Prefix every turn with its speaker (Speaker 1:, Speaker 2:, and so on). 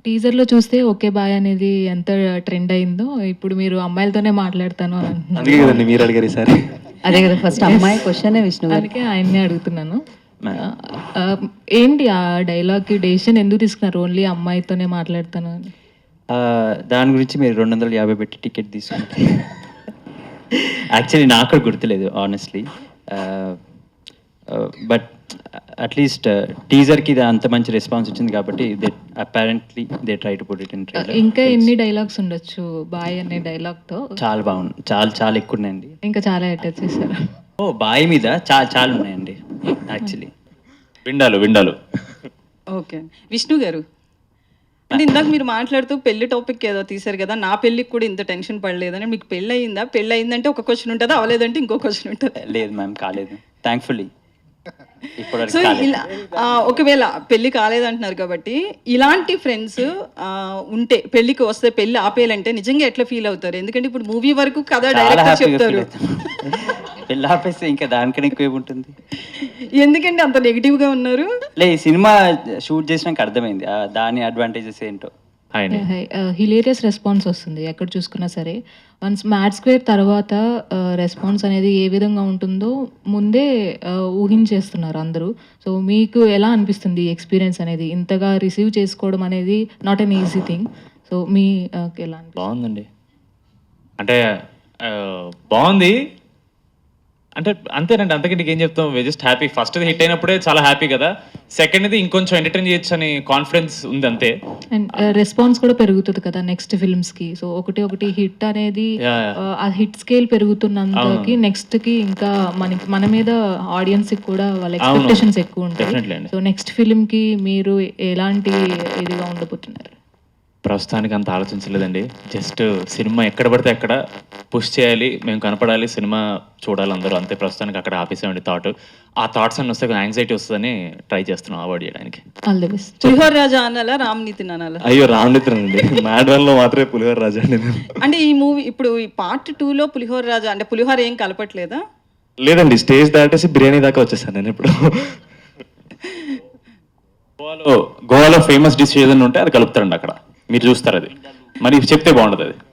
Speaker 1: టీజర్‌లో చూస్తే okay bye అనేది ఎంత ట్రెండ్ అయిందో, ఇప్పుడు మీరు అమ్మాయిలతోనే మాట్లాడతాను అని అంటున్నారు.
Speaker 2: అందుకే కదండి మీరు అడిగారు ఈసారి.
Speaker 3: అదే కదా ఫస్ట్ అమ్మాయి క్వశ్చనే విష్ణు గారు.
Speaker 1: అందుకే ఆయన్నే అడుగుతున్నాను. ఏంటి ఆ డైలాగ్‌కి డెసిషన్ ఎందుకు తీసుకున్నారు? ఓన్లీ అమ్మాయితోనే మాట్లాడతాను అని.
Speaker 4: దాని గురించి మీరు 250 పెట్టి టికెట్ తీసుకుంటే యాక్చువల్లీ నాకు కూడా గుర్తులేదు ఆనెస్ట్లీ. బట్ అట్లీస్ట్ టీజర్కి ఇది అంత మంచి రెస్పాన్స్ వచ్చింది కాబట్టి they apparently they try to put it in trailer.
Speaker 1: ఇంకా ఎన్ని డైలాగ్స్ ఉండొచ్చు బాయ్ అనే డైలాగ్‌తో?
Speaker 4: చాలా బాగుంది, చాలా చాలా ఎక్కువ ఉన్నాయండి.
Speaker 1: ఇంకా చాలా అటాచ్ చేశారు.
Speaker 4: ఓ బాయ్ మీద చాలా చాలా ఉన్నాయండి యాక్చువల్లీ.
Speaker 2: విండాలు
Speaker 5: ఓకే విష్ణు గారు, అంటే ఇందాక మీరు మాట్లాడుతూ పెళ్లి టాపిక్ ఏదో తీశారు కదా, నా పెళ్ళికి కూడా ఇంత టెన్షన్ పడలేదని. మీకు పెళ్ళి అయిందా? పెళ్ళి అయిందంటే ఒక క్వశ్చన్ ఉంటుంది, అవలేదంటే ఇంకో క్వశ్చన్ ఉంటుంది.
Speaker 4: లేదు మ్యామ్, కాలేదు థ్యాంక్ఫుల్లీ.
Speaker 5: సో ఇలా ఒకవేళ పెళ్లి కాలేదంటున్నారు కాబట్టి, ఇలాంటి ఫ్రెండ్స్ ఉంటే పెళ్లికి వస్తే పెళ్లి ఆపేయాలంటే నిజంగా ఎట్లా ఫీల్ అవుతారు? ఎందుకంటే ఇప్పుడు మూవీ వరకు కథ
Speaker 4: చాలా
Speaker 5: డైరెక్టర్
Speaker 4: హ్యాపీగా
Speaker 5: చెప్తారు,
Speaker 4: పెళ్ళి ఆపేస్తే ఇంకా దానికన్నా ఎక్కువ ఏముంటుంది.
Speaker 5: ఎందుకంటే అంత నెగిటివ్ గా ఉన్నారు.
Speaker 4: లే, ఈ సినిమా షూట్ చేసినాక అర్థమైంది దాని అడ్వాంటేజెస్ ఏంటో.
Speaker 1: హిలేరియస్ రెస్పాన్స్ వస్తుంది ఎక్కడ చూసుకున్నా సరే. వన్స్ మ్యాడ్ స్క్వేర్ తర్వాత రెస్పాన్స్ అనేది ఏ విధంగా ఉంటుందో ముందే ఊహించేస్తున్నారు అందరూ. సో మీకు ఎలా అనిపిస్తుంది ఈ ఎక్స్పీరియన్స్ అనేది? ఇంతగా రిసీవ్ చేసుకోవడం అనేది not an easy thing. So మీ ఎలా అనిపిస్తుంది?
Speaker 2: బాగుందండి, అంటే బాగుంది అంటే అంతేనండి, అంతకంటే ఏం చెప్తాం. We just happy. First hit అయినప్పుడే చాలా హ్యాపీ కదా, సెకండ్ ఇంకొంచెం ఎంటర్టైన్ చేయొచ్చు అని కాన్ఫిడెన్స్ ఉంది అంతే.
Speaker 1: అండ్ రెస్పాన్స్ కూడా పెరుగుతుంది కదా నెక్స్ట్ ఫిల్మ్స్ కి. సో ఒకటి హిట్ అనేది ఆ హిట్ స్కేల్ పెరుగుతున్నంతకి నెక్స్ట్ కి ఇంకా మన మీద ఆడియన్స్ కి కూడా వాళ్ళ ఎక్స్పెక్టేషన్స్ ఎక్కువ ఉంటాయి. సో నెక్స్ట్ ఫిల్మ్ కి మీరు ఎలాంటి ఇదిగా ఉండబోతున్నారు?
Speaker 2: ప్రస్తుతానికి అంత ఆలోచించలేదండి. జస్ట్ సినిమా ఎక్కడ పడితే అక్కడ పుష్ చేయాలి, మేము కనపడాలి, సినిమా చూడాలి అందరూ, అంతే. ప్రస్తుతానికి అక్కడ ఆపేసామండి థాట్. ఆ థాట్స్ అన్ని వస్తే యాంగ్జైటీ వస్తుందని ట్రై చేస్తున్నాం అవాయిడ్ చేయడానికి.
Speaker 1: All the best.
Speaker 5: పులిహోర రాజా అనాలా, రామ్నీతిని అనాలా?
Speaker 2: అయ్యో రామ్నిత్రన్ అండి, మ్యాడ్ వన్ లో మాత్రమే పులిహోర రాజా అండి.
Speaker 5: అంటే ఈ మూవీ ఇప్పుడు ఈ పార్ట్ 2లో పులిహోర రాజా అంటే పులిహోర ఏం కలపట్లేదా?
Speaker 2: లేదండి, స్టేజ్ దాటేసి బిర్యానీ దాకా వచ్చేసాను నేను ఇప్పుడు. గోవాలో ఫేమస్ డిష్ ఏదైనా ఉంటే అది కలుపుతారండి అక్కడ, మీరు చూస్తారు. అది మరి చెప్తే బాగుంటుంది అది.